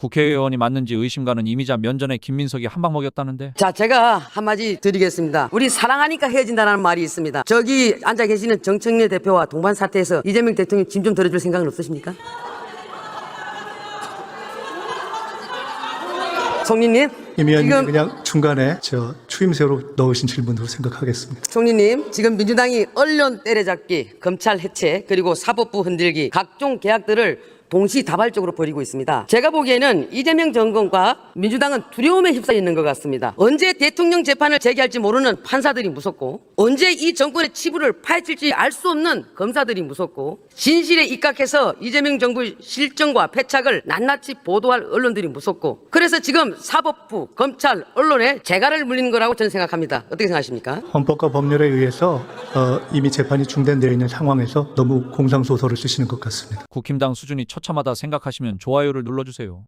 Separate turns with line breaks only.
국회의원이 맞는지 의심 가는 이미자 면전에 김민석이 한 방 먹였다는데.
자, 제가 한마디 드리겠습니다. 우리 사랑하니까 헤어진다는 말이 있습니다. 저기 앉아 계시는 정청래 대표와 동반 사태에서 이재명 대통령 짐 좀 덜어줄 생각은 없으십니까? 총리님,
임 의원님
지금
그냥 중간에 저 추임새로 넣으신 질문으로 생각하겠습니다.
총리님, 지금 민주당이 언론 때려잡기, 검찰 해체, 그리고 사법부 흔들기, 각종 계약들을 동시다발적으로 벌이고 있습니다. 제가 보기에는 이재명 정권과 민주당은 두려움에 휩싸여 있는 것 같습니다. 언제 대통령 재판을 제기할지 모르는 판사들이 무섭고, 언제 이 정권의 치부를 파헤칠지 알 수 없는 검사들이 무섭고, 진실에 입각해서 이재명 정부의 실정과 패착을 낱낱이 보도할 언론들이 무섭고, 그래서 지금 사법부, 검찰, 언론에 재갈을 물리는 거라고 저는 생각합니다. 어떻게 생각하십니까?
헌법과 법률에 의해서 이미 재판이 중단되어 있는 상황에서 너무 공상소설을 쓰시는 것 같습니다.
국힘당 수준이 처참하다 생각하시면 좋아요를 눌러주세요.